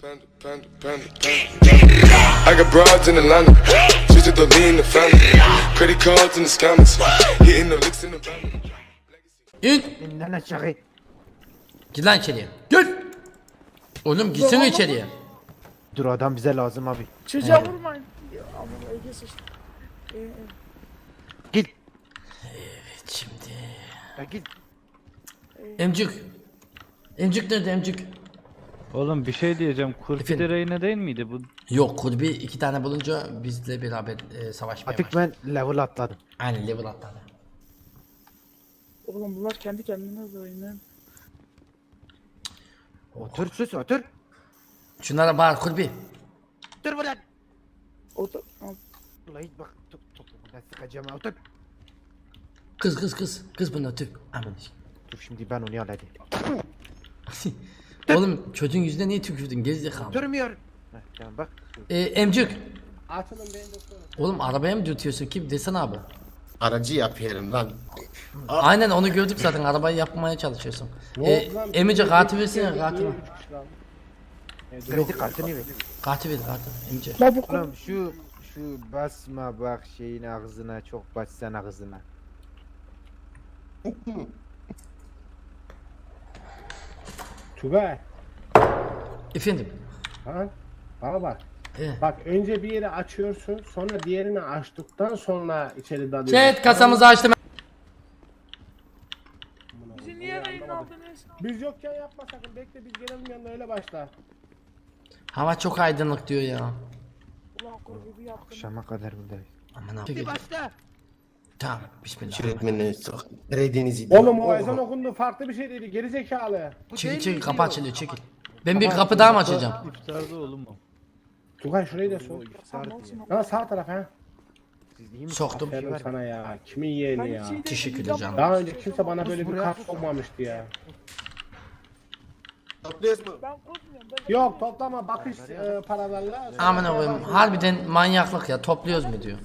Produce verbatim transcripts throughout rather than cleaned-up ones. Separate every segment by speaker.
Speaker 1: Panda, panda, panda, panda. I got broads in Atlanta, just to the lean the family. Credit cards in the scammers, hitting the licks in the van.
Speaker 2: İn.
Speaker 3: İnden aşağı.
Speaker 2: Gir lan içeriye. Gir. Oğlum gitsene içeriye.
Speaker 3: Dur adam bize lazım abi.
Speaker 4: Çocuğa
Speaker 2: Evet.
Speaker 4: vurmayın. Ya, Ama Ege sıçtı. Ee, e.
Speaker 3: Git.
Speaker 2: Şimdi.
Speaker 3: Ya git.
Speaker 2: Emcik. Emcik nerede emcik?
Speaker 5: Oğlum bir şey diyeceğim. Kurpi
Speaker 2: Efendim?
Speaker 5: de reyne değil miydi bu?
Speaker 2: Yok Kurbi iki tane bulunca bizle beraber e, savaşmaya
Speaker 3: Artık
Speaker 2: başladı.
Speaker 3: ben level atladım.
Speaker 2: Aynen level atladı.
Speaker 4: Oğlum bunlar kendi kendine de oynuyor.
Speaker 3: Otur sus otur.
Speaker 2: Şunlara bağır Kurbi.
Speaker 3: Dur buradan.
Speaker 4: O da... Al.
Speaker 3: Ulan hiç bak. Top top. Ben sıkacağım ha, otur.
Speaker 2: Kız kız kız. Kız bunlar Türk. Aman.
Speaker 3: Dur şimdi ben onu halledeyim.
Speaker 2: Oğlum çocuğun yüzüne niye tükürdün gerizekalı?
Speaker 3: Durmuyor. Heh, tamam bak.
Speaker 2: Ee, emcik.
Speaker 6: Açılın beni doktor.
Speaker 2: Oğlum arabaya mı dürtüyorsun kim desene abi.
Speaker 6: Aracı yapıyorum lan.
Speaker 2: Aynen onu gördük zaten arabayı yapmaya çalışıyorsun.
Speaker 6: Ne
Speaker 2: Ee,
Speaker 6: oldu lan?
Speaker 2: Emice
Speaker 6: Bir-
Speaker 2: katil
Speaker 6: bir-
Speaker 2: versene
Speaker 6: bir-
Speaker 2: katil.
Speaker 6: bir- üç kişi kaldı.
Speaker 3: Kredi kartını ver.
Speaker 2: Katil ver katil. Emice.
Speaker 4: La bu
Speaker 3: Oğlum şu şu basma bak şeyin ağzına çok bassan ağzına.
Speaker 6: Tugay.
Speaker 2: Efendim.
Speaker 6: Ha? Bana bak.
Speaker 2: Ee.
Speaker 6: Bak önce bir yeri açıyorsun, sonra diğerini açtıktan sonra içeri dalıyorsun.
Speaker 2: Chat kasamızı açtım.
Speaker 4: bizi niye yayın aldınız?
Speaker 6: Biz yokken yapma sakın. Bekle biz gelelim yanına öyle başla.
Speaker 2: Hava çok aydınlık diyor ya.
Speaker 4: Ulan kurgu bir yaptın.
Speaker 3: Akşama kadar buradayız.
Speaker 2: Aman abi.
Speaker 3: Başla.
Speaker 2: Tamam bismillah.
Speaker 7: Öğretmenini Karadeniz'i.
Speaker 6: Oğlum o ezan okundu farklı bir şey dedi. Geri zekalı.
Speaker 2: Çekil çekil kapı açılıyor çekil. Ben bir kapı daha mı açacağım?
Speaker 5: İftarda oğlum o.
Speaker 6: Tugay şurayı da sok.
Speaker 3: Sardı ya.
Speaker 6: Ha sağ taraf ha.
Speaker 3: Siz iyi misiniz?
Speaker 2: Soktum.
Speaker 3: Bir şey
Speaker 6: Aferin
Speaker 3: var mı?
Speaker 6: sana ya. Kimin yeğeni ya.
Speaker 2: Teşekkür ederim.
Speaker 6: Daha önce kimse bana böyle bir kart sokmamıştı ya.
Speaker 7: Topluyoruz mu?
Speaker 4: Ben korkmuyorum. Ben
Speaker 6: Yok toplama bakış e, paralarla.
Speaker 2: Aman koyayım harbiden manyaklık ya topluyoruz mu diyor.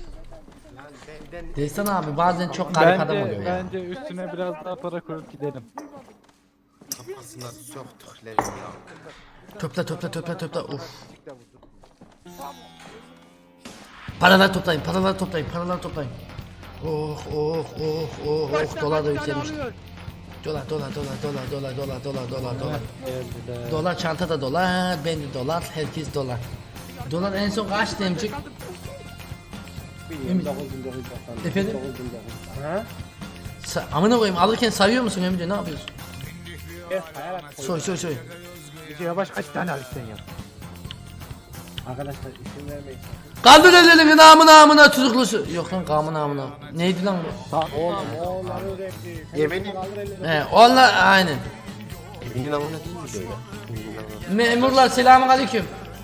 Speaker 2: Destan abi bazen çok garip adam oluyor
Speaker 5: Bence,
Speaker 2: ya.
Speaker 5: bence üstüne biraz daha para koyup gidelim.
Speaker 7: Kafasına soktuk lan ya.
Speaker 2: Topla topla topla topla uf. Paralar toplayın paralar toplayın paralar toplayın. Oh oh oh oh oh dolar da yükselmiş. Dolar dolar dolar dolar dolar dolar dolar dolar dolar.
Speaker 5: Geldiler.
Speaker 2: Dolar çantada dolar, ben de dolar, herkes dolar. Dolar en son kaç demcik? Efendim?
Speaker 6: Ha?
Speaker 2: Sa amına koyayım alırken sayıyor musun Emre ne yapıyorsun?
Speaker 6: Evet, hayalet koy.
Speaker 2: Soy soy soy.
Speaker 3: Bir yavaş kaç tane alırsan ya.
Speaker 6: Arkadaşlar isim vermeyin.
Speaker 2: Kaldır ellerini namına namına tuzuklusu. Yok lan kamı namına. Neydi lan bu?
Speaker 6: Oğlum oğulları renkli.
Speaker 7: Yemeğini-
Speaker 6: Kaldır elini.
Speaker 2: He onlar aynen.
Speaker 7: Evinin amına değil mi böyle? Evinin amına.
Speaker 2: Memurlar selamun aleyküm.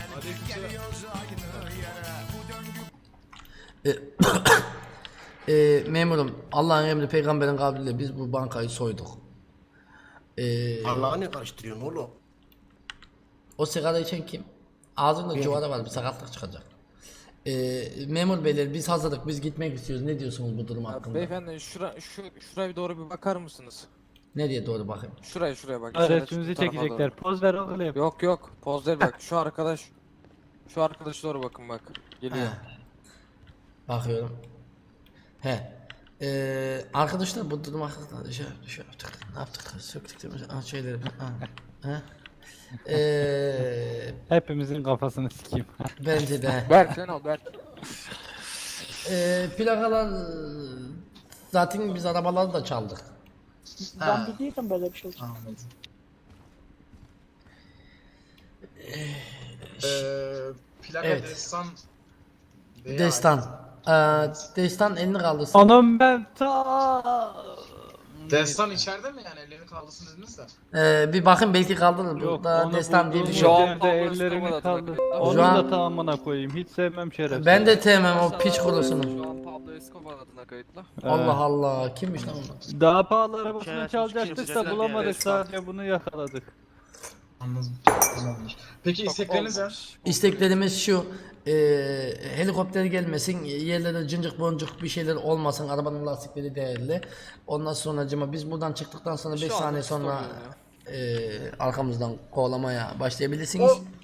Speaker 2: E, e, memurum Allah'ın emri peygamberin kavliyle biz bu bankayı soyduk. E,
Speaker 7: Allah'a ne karıştırıyorsun oğlum?
Speaker 2: o sigara içen kim? Ağzında cuvara var bir sakatlık çıkacak. E, memur beyler biz hazırlık biz gitmek istiyoruz. Ne diyorsunuz bu durum hakkında?
Speaker 8: Beyefendi şura, şu, şuraya bir doğru bir bakar mısınız?
Speaker 2: Nereye doğru bakayım?
Speaker 8: Şuraya şuraya bak.
Speaker 5: Resmimizi
Speaker 8: şu tarafa
Speaker 5: çekecekler. Poz ver oğlum.
Speaker 8: doğru. Yok yok poz ver bak şu arkadaş. Şu arkadaş doğru bakın bak. Geliyor.
Speaker 2: Bakıyorum. He. Ee, arkadaşlar bu durum hakkında şey, şey yaptık. Ne yaptık? Söktük değil mi? Ha, şeyleri. Ha. Ha. Ee,
Speaker 5: Hepimizin kafasını sikeyim.
Speaker 2: bence de.
Speaker 8: Berk sen al Berk.
Speaker 2: Ee, plakalar zaten biz arabaları da çaldık.
Speaker 4: Ben biliyordum böyle bir şey olacak.
Speaker 9: Eee plaka
Speaker 2: Evet.
Speaker 9: destan veya-
Speaker 2: Destan. Ee, Destan elini kaldırsın.
Speaker 5: Anam ben ta.
Speaker 9: Destan içeride mi yani ellerini kaldırsın dediniz de.
Speaker 2: Ee, bir bakın belki kaldırır.
Speaker 5: Yok
Speaker 2: Burada
Speaker 5: onu
Speaker 2: Destan diye bir
Speaker 5: bulduğumuz
Speaker 2: şey yok.
Speaker 8: Şu an
Speaker 5: yerde
Speaker 8: Pablo
Speaker 5: ellerini
Speaker 8: Escobar
Speaker 5: kaldır.
Speaker 8: adına-
Speaker 5: Onun
Speaker 2: Şu an-
Speaker 5: da tamamına koyayım. Hiç sevmem şerefsiz.
Speaker 2: Ben de sevmem o piç kurusunu.
Speaker 8: Şu an Pablo Escobar adına kayıtlı.
Speaker 2: Allah Allah kimmiş lan o?
Speaker 5: Daha pahalı arabasını çalacaktık da bulamadık. Sadece bunu yakaladık.
Speaker 9: Anladım. Tamamdır. Peki istekleriniz ne?
Speaker 2: İsteklerimiz şu, e, helikopter gelmesin, yerlere cıncık boncuk bir şeyler olmasın, arabanın lastikleri değerli. Ondan sonra biz buradan çıktıktan sonra beş
Speaker 8: Şu anda
Speaker 2: saniye sonra
Speaker 8: oluyor
Speaker 2: e, arkamızdan kovalamaya başlayabilirsiniz.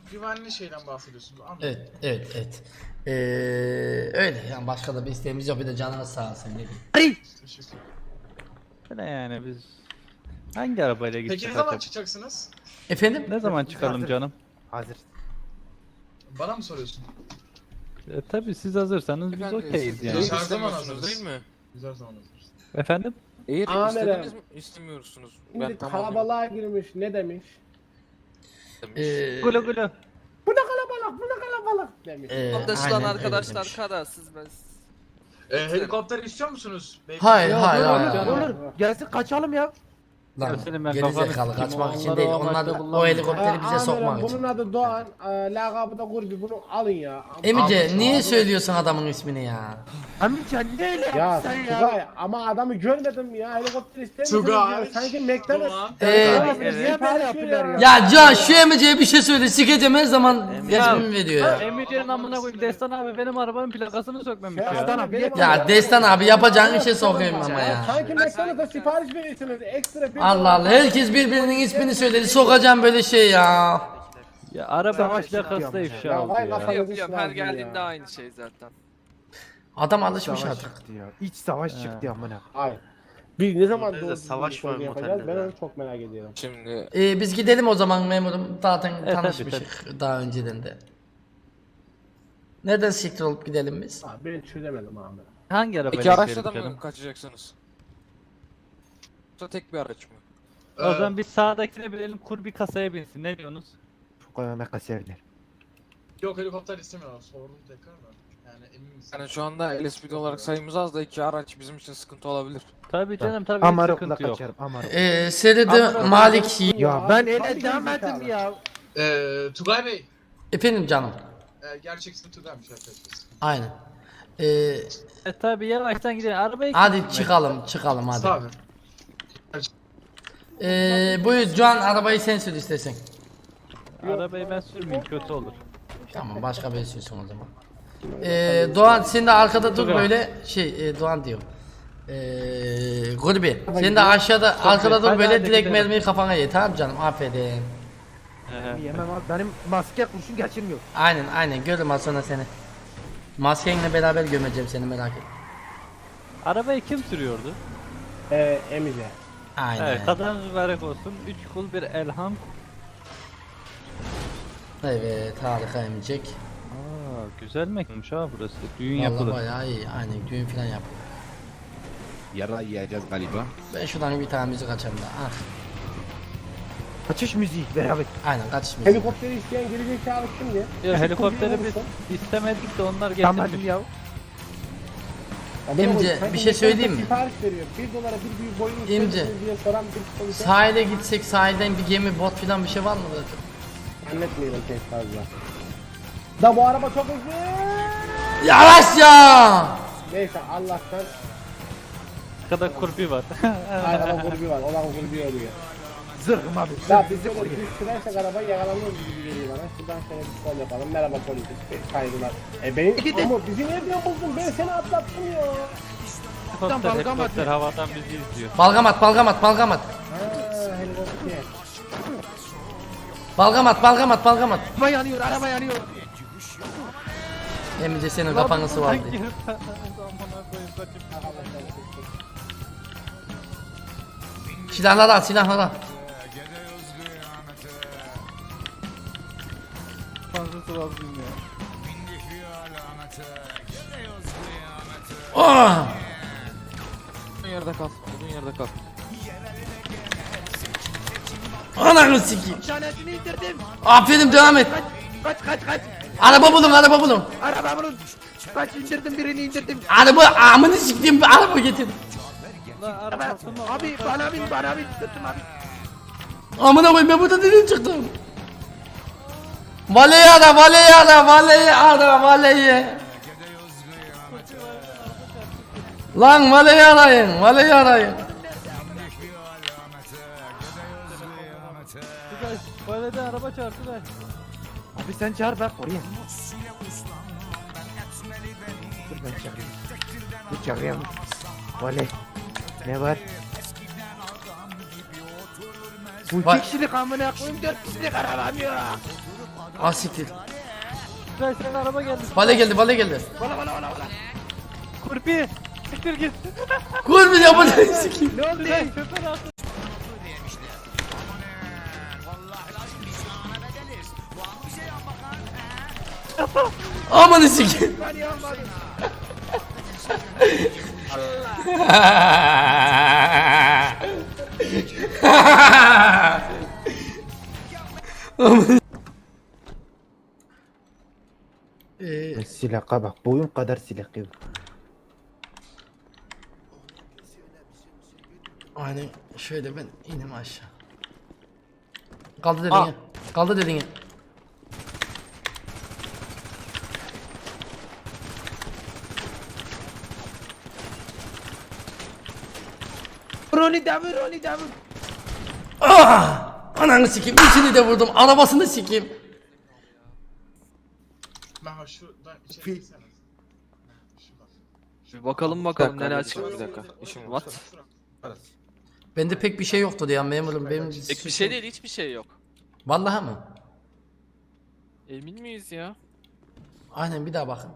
Speaker 9: güvenli şeyden bahsediyorsun. Anladım.
Speaker 2: Evet, evet, evet. Ee, öyle yani başka da bir isteğimiz yok. Bir de canınız sağ olsun ne diyeyim.
Speaker 9: Teşekkür.
Speaker 5: Ne yani biz hangi arabayla
Speaker 9: Peki
Speaker 5: gideceğiz
Speaker 9: ne zaman
Speaker 5: acaba?
Speaker 9: çıkacaksınız?
Speaker 2: Efendim?
Speaker 5: Ne zaman çıkalım canım?
Speaker 3: Hazır.
Speaker 9: Bana mı soruyorsun?
Speaker 5: E, tabii siz hazırsanız biz
Speaker 8: Efendim,
Speaker 5: okeyiz
Speaker 8: siz
Speaker 5: yani.
Speaker 9: Biz her zaman
Speaker 8: istemiyorsunuz
Speaker 9: hazırız.
Speaker 8: değil mi?
Speaker 9: Biz her zaman hazırız.
Speaker 5: Efendim?
Speaker 8: Eğer
Speaker 6: Amirim.
Speaker 8: istediniz mi? İstemiyorsunuz.
Speaker 6: Şimdi
Speaker 8: Ben tamam
Speaker 6: kalabalığa girmiş ne demiş?
Speaker 8: demiş.
Speaker 2: Ee,
Speaker 5: Gulu gulu.
Speaker 6: Bu ne kalabalık bu ne kalabalık demiş.
Speaker 2: ee,
Speaker 10: Anlaşılan
Speaker 2: aynen öyle
Speaker 10: arkadaşlar
Speaker 2: demiş.
Speaker 10: kararsız ben.
Speaker 9: Ee, helikopter istiyor musunuz? Beyefendi?
Speaker 2: Hayır, hayır, hayır.
Speaker 5: canım.
Speaker 2: hayır.
Speaker 3: Olur. Gelsin kaçalım ya.
Speaker 2: Lan
Speaker 5: Ya senin ben
Speaker 2: geri
Speaker 5: kafanı
Speaker 2: zekalı
Speaker 5: sikeyim,
Speaker 2: kaçmak için
Speaker 5: onları
Speaker 2: değil.
Speaker 5: o
Speaker 2: Onlar
Speaker 5: amaçla
Speaker 2: o
Speaker 5: kullanmıyor.
Speaker 2: helikopteri bize
Speaker 6: Amirim,
Speaker 2: sokmak
Speaker 6: bunun
Speaker 2: için.
Speaker 6: adı Doğan, e, lakabı da Gurbi, bunu alın ya.
Speaker 2: Emice
Speaker 9: Abi,
Speaker 2: niye
Speaker 9: abi.
Speaker 2: söylüyorsun adamın ismini ya?
Speaker 3: Amca ne öyle
Speaker 6: Ya
Speaker 3: yaptın sen ya?
Speaker 6: Tugay ama adamı görmedim ya helikopter istemiyorum
Speaker 9: Tugay.
Speaker 6: diyor. Sanki McDonald's.
Speaker 9: Doğan.
Speaker 2: Ee,
Speaker 6: Evet.
Speaker 3: Niye böyle yapıyorlar ya?
Speaker 2: Ya Can şu Emice'ye bir şey söyle. Sikeceğim her zaman resmimi veriyor ya.
Speaker 5: Emice'nin amına koyayım Destan abi benim arabanın plakasını sökmemiş
Speaker 6: Ya,
Speaker 5: ya.
Speaker 6: adam benim
Speaker 2: Ya
Speaker 6: adam-
Speaker 2: Destan abi yapacağın işe sokayım ama
Speaker 6: Ya,
Speaker 2: ya.
Speaker 6: Sanki McDonald's'a sipariş veriyorsunuz ekstra bir.
Speaker 2: Allah Allah herkes birbirinin ismini söyledi. Sokacağım böyle şey ya.
Speaker 5: Ya araba
Speaker 3: Savaş
Speaker 5: plakası da
Speaker 3: çıkıyor
Speaker 5: ifşa
Speaker 6: Ya
Speaker 5: oldu
Speaker 6: vay
Speaker 5: ya.
Speaker 6: kafanızı
Speaker 10: Yapıyorum her
Speaker 6: sıvazlayın
Speaker 10: geldiğinde
Speaker 6: ya.
Speaker 10: aynı şey zaten.
Speaker 2: Adam alışmış
Speaker 3: Savaş
Speaker 2: artık.
Speaker 3: çıktı ya. İç savaş çıktı amına.
Speaker 6: Hayır. Biz ne zaman
Speaker 7: Otelde
Speaker 6: doğru
Speaker 7: savaş
Speaker 6: düzgün bir
Speaker 7: var
Speaker 6: şey
Speaker 7: bu
Speaker 6: yapacağız? Ben
Speaker 7: otelde.
Speaker 6: onu çok merak ediyorum.
Speaker 8: Şimdi
Speaker 2: Ee, biz gidelim o zaman memurum. Zaten
Speaker 5: tabii,
Speaker 2: tanışmışık daha önceden de. Neden siktir olup gidelim biz?
Speaker 6: Ha, ben çözemedim abi.
Speaker 5: Hangi arabayla
Speaker 8: peki araçla
Speaker 5: gidelim
Speaker 8: da
Speaker 5: canım?
Speaker 8: mı kaçacaksınız? Yoksa tek bir araç mı?
Speaker 5: O zaman biz sağdakine binelim kur bir kasaya binsin ne diyorsunuz?
Speaker 3: Çok önemli kasevler.
Speaker 9: Yok helikopter istemiyorlar. Sordum tekrar da. Yani emin misin?
Speaker 8: Yani şu anda L S P D olarak sayımız az da iki araç bizim için sıkıntı olabilir.
Speaker 5: Tabii canım tabii hiç
Speaker 3: Amarokla
Speaker 5: sıkıntı yok.
Speaker 3: kaçarım. Amarok.
Speaker 2: Ee, Seride Malik.
Speaker 3: Ya ben
Speaker 6: Tabii
Speaker 3: ele
Speaker 6: ki
Speaker 3: demedim
Speaker 6: zekalı.
Speaker 3: ya.
Speaker 9: Ee, Tugay Bey.
Speaker 2: Efendim canım.
Speaker 9: E, gerçek ismi Tugay'mış arkadaşlar.
Speaker 2: Aynen. Ee,
Speaker 5: E tabii yavaştan gidelim arabayı
Speaker 2: hadi
Speaker 5: kim
Speaker 2: çıkalım çıkalım hadi.
Speaker 9: Sağ olun.
Speaker 2: Ee, buyur Can arabayı sen sür istersen.
Speaker 5: sürmeyeyim? Arabayı ben sürmeyeyim kötü olur.
Speaker 2: Tamam başka biri sürsün o zaman. Ee, Doğan sen de arkada dur
Speaker 5: Tugay.
Speaker 2: böyle şey e, Doğan diyor. Ee, Gurbi sen de aşağıda arkada dur
Speaker 5: Hadi,
Speaker 2: böyle
Speaker 5: hadi
Speaker 2: direkt
Speaker 5: gidelim.
Speaker 2: mermiyi kafana ye tamam canım aferin.
Speaker 3: Yemem abi. Benim maske kurşun geçirmiyor.
Speaker 2: Aynen aynen görürüm az sonra seni. Maskenle beraber gömeceğim seni merak etme.
Speaker 5: Arabayı kim sürüyordu?
Speaker 6: Ee, Emice.
Speaker 2: Aynen.
Speaker 5: Evet kadın mübarek olsun. Üç kul bir elham.
Speaker 2: Evet harika emecek.
Speaker 5: Aa güzel mekanmış ha burası. Düğün
Speaker 2: Vallahi
Speaker 5: yapılır.
Speaker 2: bayağı iyi aynen düğün falan yapıyor.
Speaker 3: Yara yiyeceğiz galiba.
Speaker 2: Ben şuradan bir tane müzik açayım da. Ah.
Speaker 3: Kaçış müziği beraber.
Speaker 2: Aynen kaçış müziği.
Speaker 6: Helikopteri isteyen gelecek abi kimdi?
Speaker 5: Ya helikopteri
Speaker 6: Kurbi
Speaker 5: biz
Speaker 6: olursa-
Speaker 5: istemedik de onlar
Speaker 3: Tamam
Speaker 5: getirmiş.
Speaker 3: ya.
Speaker 6: Adamı
Speaker 2: İmce,
Speaker 6: koyuyor. Sanki
Speaker 2: bir şey söyleyeyim mi?
Speaker 6: Sipariş veriyor. Bir dolara bir büyük boyun
Speaker 2: İmce.
Speaker 6: istemişsiniz diye soran bir polis.
Speaker 2: Sahile gitsek sahilden bir gemi bot falan bir şey var mı zaten?
Speaker 6: Zannetmeyelim pek fazla. Da bu araba çok hızlı.
Speaker 2: Yavaş ya!
Speaker 6: Neyse Allah'tan
Speaker 5: Arkada kurbi var.
Speaker 6: araba grubu var. Olan grubu oluyor.
Speaker 3: Zırhım abi.
Speaker 6: Ya biz böyle biz sürersek arabayı yakalanıyoruz gibi geliyor bana. Şuradan şöyle bir sol yapalım. Merhaba polis. Saygılar. E benim ama bizi nereden buldun? Ben seni atlattım ya.
Speaker 5: Helikopter, helikopter havadan bizi izliyor.
Speaker 2: Balgamat balgamat balgamat.
Speaker 6: Ha helikopter.
Speaker 2: Balgamat balgamat balgamat.
Speaker 3: Araba yanıyor, araba yanıyor.
Speaker 2: Emice senin kafanı sıvardı. Silahları al silahları al.
Speaker 5: Fazlası var bilmiyor.
Speaker 2: Oh!
Speaker 8: Olduğun yerde kal. Olduğun yerde kal.
Speaker 2: Ananı sikeyim.
Speaker 3: Tanesini indirdim.
Speaker 2: Aferin devam et.
Speaker 3: Kaç kaç kaç.
Speaker 2: Araba bulun araba bulun.
Speaker 3: Araba bulun. Kaç indirdim birini indirdim.
Speaker 2: Araba amını sikeyim bir araba getir.
Speaker 3: Araba. Abi bana bin bana bin. Tuttum abi.
Speaker 2: Amına koyayım ben burada nereden çıktım? Valeyi ara valeyi ara valeyi ara valeyi. Lan valeyi arayın valeyi arayın.
Speaker 5: Tugay, böyle de araba çarptı da.
Speaker 3: Abi sen çağır ben oraya. Dur ben çağırayım. Dur çağırayım. Vale. Ne var? Bu
Speaker 2: Va-
Speaker 3: iki kişilik amına koyayım dört kişilik arabam yok.
Speaker 2: Ah siktir.
Speaker 5: Tugay senin araba geldi.
Speaker 2: Vale geldi, vale geldi.
Speaker 5: Kurpi. Siktir git.
Speaker 2: Kur bir yapın sikeyim.
Speaker 5: Ne oldu? Tugay şoför altı.
Speaker 2: Amanı sikeyim. Eee
Speaker 3: Silaka bak boyun kadar silaka yok.
Speaker 2: aynen şöyle ben inim aşağı. Kaldı dedin ya. Kaldı dedin ya.
Speaker 3: Roni devir Roni devir.
Speaker 2: Ah! Ananı sikeyim. İçini de vurdum. Arabasını sikeyim.
Speaker 9: Meho şuradan içeri girsene. Şuradan.
Speaker 8: Bir bakalım Bir bakalım dakika, neler bir çıkıyor. Bir dakika. dakika. İşim what?
Speaker 7: Parası.
Speaker 2: Bende pek bir şey yoktu ya memurum. Benim
Speaker 8: Pek bir şey değil, hiçbir şey yok.
Speaker 2: Vallahi mı?
Speaker 8: Emin miyiz ya?
Speaker 2: Aynen bir daha bakın.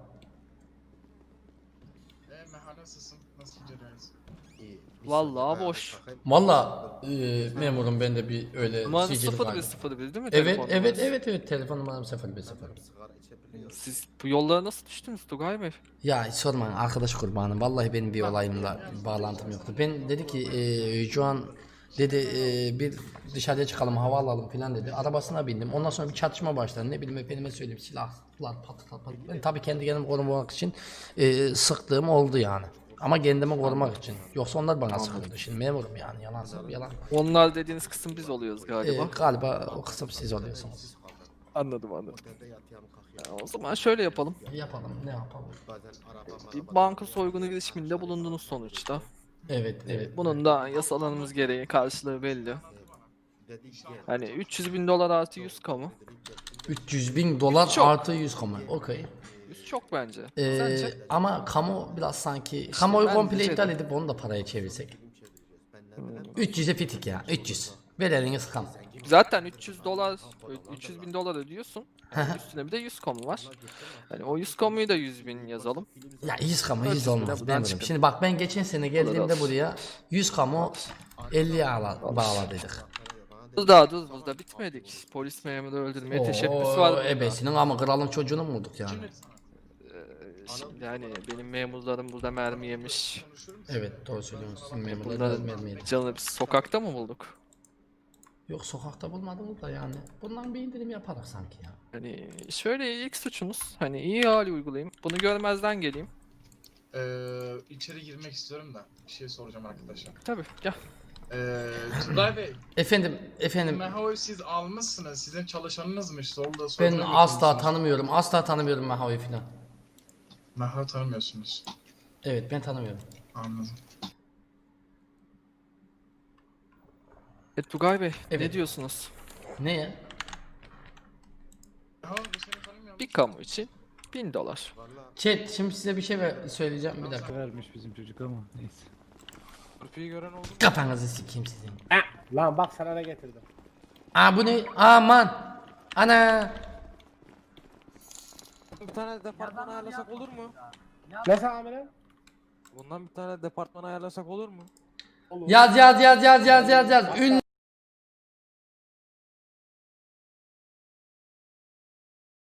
Speaker 9: Eee Meho nasılsın? Nasıl gidiyor hayat?
Speaker 7: İyi. Bir
Speaker 8: Vallahi
Speaker 7: saniye,
Speaker 8: boş.
Speaker 7: bakayım.
Speaker 2: Valla e, memurum bende bir öyle
Speaker 8: Numaranız
Speaker 2: sicil
Speaker 8: sıfır
Speaker 2: vardı.
Speaker 8: bir sıfır bir değil mi?
Speaker 2: Evet
Speaker 8: telefon
Speaker 2: evet
Speaker 8: numarası?
Speaker 2: evet evet telefon numaram sıfır bir sıfır.
Speaker 7: Sigara içebiliyor.
Speaker 8: Siz bu yollara nasıl düştünüz Tugay Bey?
Speaker 2: Ya hiç sormayın arkadaş kurbanım. Vallahi benim bir olayımla bağlantım yoktu. Ben dedi ki e, şu an dedi e, bir dışarıya çıkalım hava alalım filan dedi. Arabasına bindim. Ondan sonra bir çatışma başladı. Ne bileyim efendime söyleyeyim silahlar pat pat pat. Ben tabii kendi kendimi korumak için e, sıktığım oldu yani. Ama kendimi korumak için. Yoksa onlar bana sıkıldı. Şimdi memurum yani yalan yalan.
Speaker 8: Onlar dediğiniz kısım biz oluyoruz
Speaker 2: E,
Speaker 8: galiba.
Speaker 2: galiba o kısım siz oluyorsunuz.
Speaker 8: Anladım anladım.
Speaker 7: Otelde yatıyorum
Speaker 8: Ya,
Speaker 7: kalkıyorum.
Speaker 8: o zaman şöyle yapalım.
Speaker 2: Yapalım ne yapalım.
Speaker 7: Bazen araba
Speaker 8: Bir
Speaker 7: maraba-
Speaker 8: banka soygunu girişiminde bulundunuz sonuçta.
Speaker 2: Evet evet.
Speaker 8: Bunun da yasalarımız gereği karşılığı belli.
Speaker 7: Dedi ki,
Speaker 8: Hani üç yüz bin dolar artı yüz kamu.
Speaker 2: üç yüz bin dolar
Speaker 8: Çok.
Speaker 2: artı yüz kamu. Okey.
Speaker 8: yüz çok bence.
Speaker 2: Ee,
Speaker 8: Sence?
Speaker 2: ama kamu biraz sanki kamuoyu
Speaker 8: ben
Speaker 2: komple
Speaker 8: de şey
Speaker 2: iptal
Speaker 8: dedim.
Speaker 2: edip onu da paraya çevirsek.
Speaker 7: ben ne bileyim.
Speaker 2: üç yüze fitik ya üç yüz. Ver eliniz kam.
Speaker 8: Zaten üç yüz dolar, üç yüz bin dolar ödüyorsun. Yani üstüne bir de yüz kamu var. Hani o yüz kamuyu da yüz bin yazalım.
Speaker 2: Ya yüz kamu
Speaker 8: dört
Speaker 2: yüz
Speaker 8: yüz bine
Speaker 2: olmaz.
Speaker 8: buradan
Speaker 2: Ben
Speaker 8: çıkın.
Speaker 2: Şimdi bak ben geçen sene geldiğimde
Speaker 8: olsun.
Speaker 2: buraya yüz kamu elliye ala- bağladıydık.
Speaker 8: Dur daha dur burada bitmedik. Polis memuru öldürmeye teşebbüs var.
Speaker 2: Oo,
Speaker 8: burada.
Speaker 2: ebesinin ama kralın çocuğunu mu bulduk yani?
Speaker 8: Şimdi hani benim memurlarım burada mermi yemiş.
Speaker 2: Evet doğru söylüyorsun. Sizin memurlar biraz
Speaker 8: Bunların
Speaker 2: mermi yedi.
Speaker 8: canını biz sokakta mı bulduk?
Speaker 2: Yok sokakta bulmadınız da yani. Bundan bir indirim yaparız sanki ya.
Speaker 8: Hani şöyle ilk suçunuz. Hani iyi hali uygulayayım. Bunu görmezden geleyim.
Speaker 9: Eee içeri girmek istiyorum da bir şey soracağım arkadaşlar.
Speaker 8: Tabii gel.
Speaker 9: Eee Tugay Bey,
Speaker 2: Efendim efendim
Speaker 9: Meho'yu siz almışsınız. Sizin çalışanınızmış. Solda
Speaker 2: ben
Speaker 9: soyguna
Speaker 2: asla
Speaker 9: götürmüşsünüz.
Speaker 2: tanımıyorum. Asla tanımıyorum Mahavi filan.
Speaker 9: Meho'yu tanımıyorsunuz.
Speaker 2: Evet ben tanımıyorum.
Speaker 9: Anladım.
Speaker 8: E Tugay Bey
Speaker 2: Evet.
Speaker 8: ne diyorsunuz?
Speaker 2: Ne ya?
Speaker 9: Meho bu seni tanımıyor.
Speaker 8: Bir kamu için bin dolar.
Speaker 2: Chat şimdi size bir şey ver- söyleyeceğim bir dakika.
Speaker 5: Vermiş bizim çocuk ama neyse.
Speaker 8: Kurpiyi gören oldu mu?
Speaker 2: Kafanızı sikeyim sizin.
Speaker 6: Lan bak sana ne getirdim.
Speaker 2: Aa bu ne? Aman. Ana.
Speaker 8: Bir tane departman ayarlasak olur mu?
Speaker 6: Ne amirim?
Speaker 8: Bundan bir tane departman ayarlasak olur mu?
Speaker 2: Yaz yaz yaz yaz yaz yaz yaz. Ün